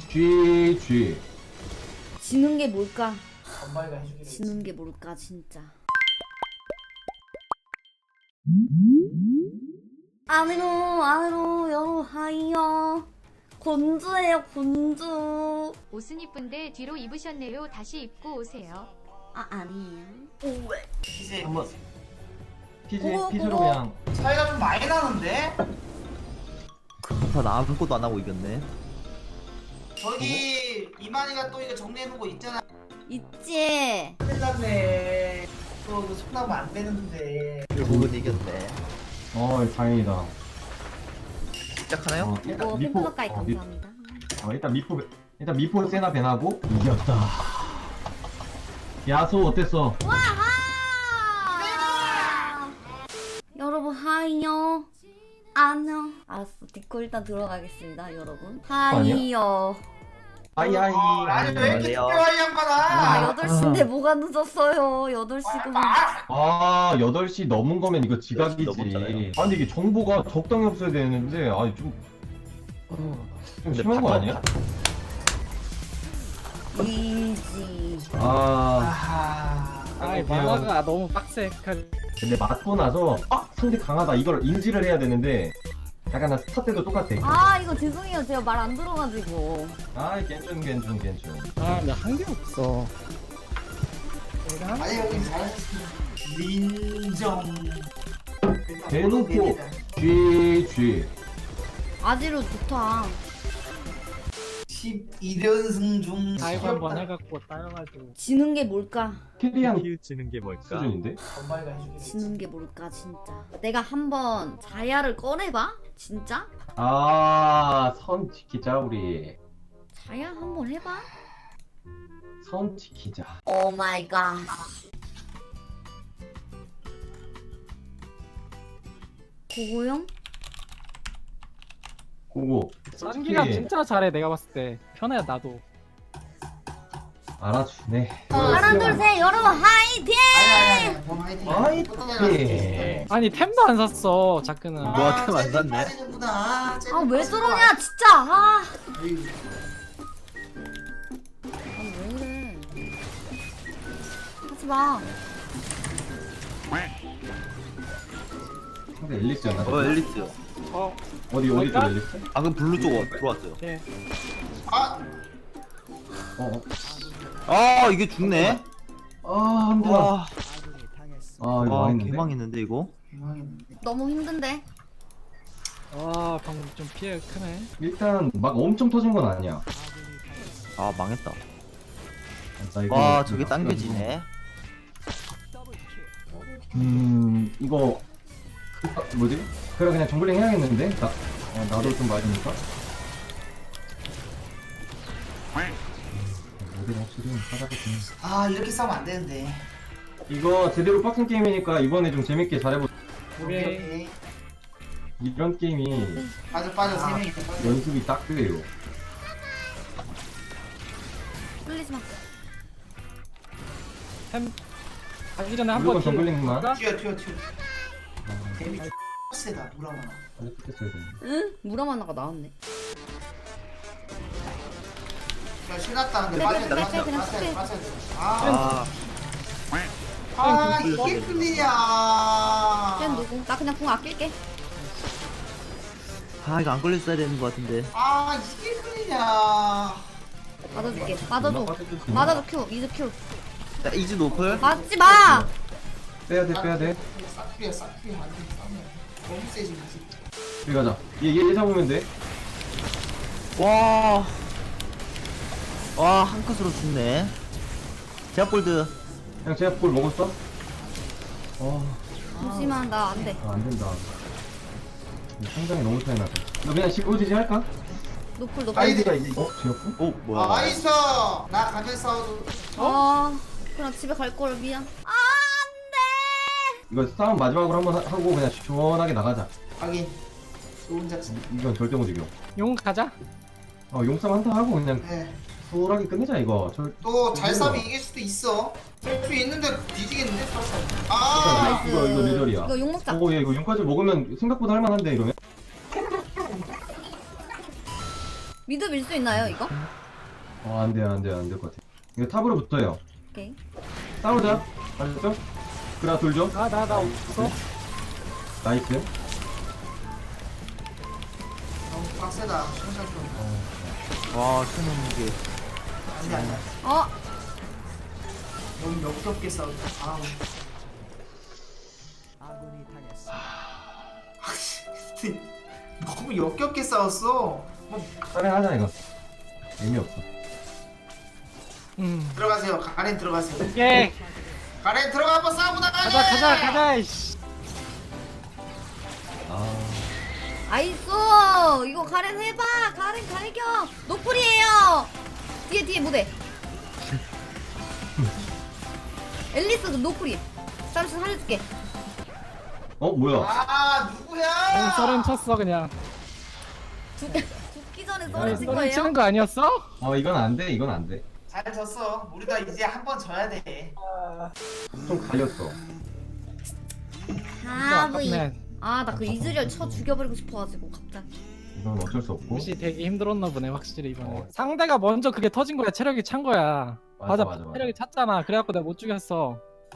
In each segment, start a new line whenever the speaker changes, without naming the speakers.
GG.
지는 게 뭘까?
엄마가 해주기로 했지.
지는 게 뭘까 진짜. 안으로 여로 하이요. 곤주예요 곤주.
옷은 이쁜데 뒤로 입으셨네요. 다시 입고 오세요.
아 아니에요.
이제
한번
그거,
피즈로
그거.
그냥.
차이가 좀 많이 나는데?
나 아무것도 안 하고 이겼네.
저기 이만희가 또 이거 정리해놓은 거 있잖아.
있지.
큰일 났네. 또 이거 손 나면 안 되는데.
결국은 이겼네.
다행이다.
시작하나요?
이거 팬클 가까이 감사합니다.
일단 미포 세나 배나고 이겼다. 야소 어땠어?
여러분 하이요. 안녕. 알았어. 디코 일단 들어가겠습니다 여러분. 하이요.
하이.
아니 왜 이렇게
안녕하세요.
특별한 양반아?
아 8시인데 뭐가 늦었어요. 8시고.
아 8시 넘은 거면 이거 지각이지.
넘었잖아요.
아니 이게 정보가 적당히 없어야 되는데 아니 좀 심한 거 아니야?
이지.
아
아이 만화가 너무 빡세.
근데 맞고 나서 상대 강하다 이걸 인지를 해야 되는데 약간 나 스타 때도 똑같아.
아 이거 죄송해요. 제가 말 안 들어가지고.
괜찮.
아, 나 한 개 없어. 내가 한
아니 형님 잘하셨습니다. 민정.
대놓고 GG.
아지로 좋다.
12연승 중
다이브 한번 해갖고 따여가지고.
지는 게 뭘까?
캐리한
지는 게 뭘까?
수준인데?
엄마가 해주기로 했지.
지는 게 뭘까 진짜. 내가 한번 자야를 꺼내봐. 진짜?
선 지키자 우리.
자야 한번 해봐.
선 지키자.
오 마이 갓. 고고형?
고고.
짠기가 진짜 잘해. 내가 봤을 때 편해 나도.
알아주네.
하나 둘셋 여러분 화이팅!
아니 뭐 화이팅.
화이팅!
아니 템도 안 샀어 자크는.
너한테 안 샀네.
아 왜 저러냐 진짜. 아 왜 이래. 하지마.
상대 엘리스였나?
엘리트.
어디 쪽
뭘까?
엘리스?
방금 블루 쪽 들어왔어요.
예.
아
아 이게 죽네.
한 대.
와,
이거
와
망했는데.
개망했는데 이거.
너무 힘든데.
와 방금 좀 피해 크네.
일단 막 엄청 터진 건 아니야.
아 망했다.
나 이거
와 저게 당겨지네.
이거 뭐지? 그래 그냥 정글링 해야겠는데? 나도 좀 맞으니까. 모델 확실히 하다보니
아 이렇게 싸우면 안 되는데.
이거 제대로 빡센 게임이니까 이번에 좀 재밌게 잘해보자.
오케이.
이런 게임이
빠져 세 명이 빠져.
연습이 딱 돼요.
끌리지 마.
템 가기 전에
무조건
한번
정글링만.
튀어. 데미 세다 무라마.
빨리 붙였어야 되는데.
응? 무라마나가 나왔네.
야 신났다 근데
빼,
빠져야
빼,
돼.
그냥
빠져야 돼.
빼.
빠져야 돼.
아
이게 끌리냐.
쟤 누구? 나 그냥 궁 아낄게.
아 이거 안 걸렸어야 되는 것 같은데.
아 이게 끌리냐.
맞아줄게. 맞아줘. 맞아줘 큐. 미드 큐.
자 이즈 노플.
맞지 마.
빼야돼.
싹피야 안돼 싸우면 너무 세지 무슨.
여기 가자. 얘 잡으면 돼.
와. 와 한 컷으로 죽네. 제압골드.
그냥 제가 볼 먹었어?
잠시만 나 안 돼.
안 된다. 상당히 너무 차이 나서. 너 그냥 15지지 할까?
노플 노플.
아이디.
지었고?
오 뭐야?
나이스. 나 가면 싸워도.
그냥 집에 갈 걸 미안. 아 안돼.
이거 싸움 마지막으로 한번 하고 그냥 시원하게 나가자.
하긴 좋은 작전.
이건 절대 못 이겨.
용 가자.
용싸움 한타 하고 그냥
네.
수월하게 끝내자 이거.
또 잘 싸면 이길 수도 있어. 수 있는데 뒤지겠는데?
아,
아
이거 뇌절이야.
이거 욕 먹자.
얘 이거 용까지 먹으면 생각보다 할만한데 이러면?
미드 밀 수 있나요 이거?
안 돼요, 안 될 것 같아. 이거 탑으로 붙어요.
오케이.
싸우자. 알았죠? 그라 돌 좀.
나 없어.
나이스.
너무 빡세다. 생각 좀.
와 쓰는 게
안돼.
어
너무 역겹게 싸우다. 아우. 너무 역겹게 싸웠어.
빨리 하자 이거. 의미 없어.
들어가세요. 가렌 들어가세요.
오케이.
가렌 들어가 한번 싸우고 나가게.
가자. 이씨.
아이소 이거 가렌 해봐. 가렌 갈겨. 노플이에요. 뒤에 무대. 앨리스도 노플이. 잠시 살려줄게.
뭐야?
아 누구야?
썰은 쳤어 그냥.
죽기 전에
아니,
썰어진
썰은
거예요?
치는 거 아니었어?
이건 안 돼, 이건 안 돼.
잘 졌어. 우리가 이제 한 번 져야 돼.
좀 갈렸어.
아브이.
아깝네.
나 그 이즈리얼 쳐 죽여버리고 싶어가지고 갑자기.
이건 어쩔 수 없고.
무시 되게 힘들었나 보네 확실히 이번에.
어.
상대가 먼저 그게 터진 거야. 체력이 찬 거야.
맞아.
체력이 찼잖아. 그래갖고 내가 못 죽였어.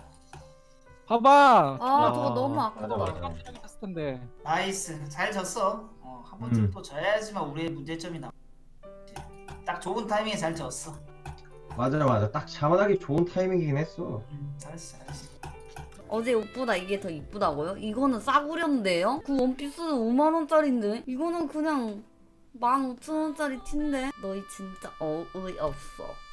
봐봐.
저거 너무 아깝다.
맞아.
체력이 찼을 텐데.
나이스. 잘 졌어. 한 번쯤 또 져야지만 우리의 문제점이 나. 딱 좋은 타이밍에 잘 졌어.
맞아. 딱 자만하기 좋은 타이밍이긴 했어.
잘했어.
어제 옷보다 이게 더 이쁘다고요? 이거는 싸구려인데요? 그 원피스는 5만원짜리인데? 이거는 그냥 15,000원짜리 티인데? 너희 진짜 어이없어.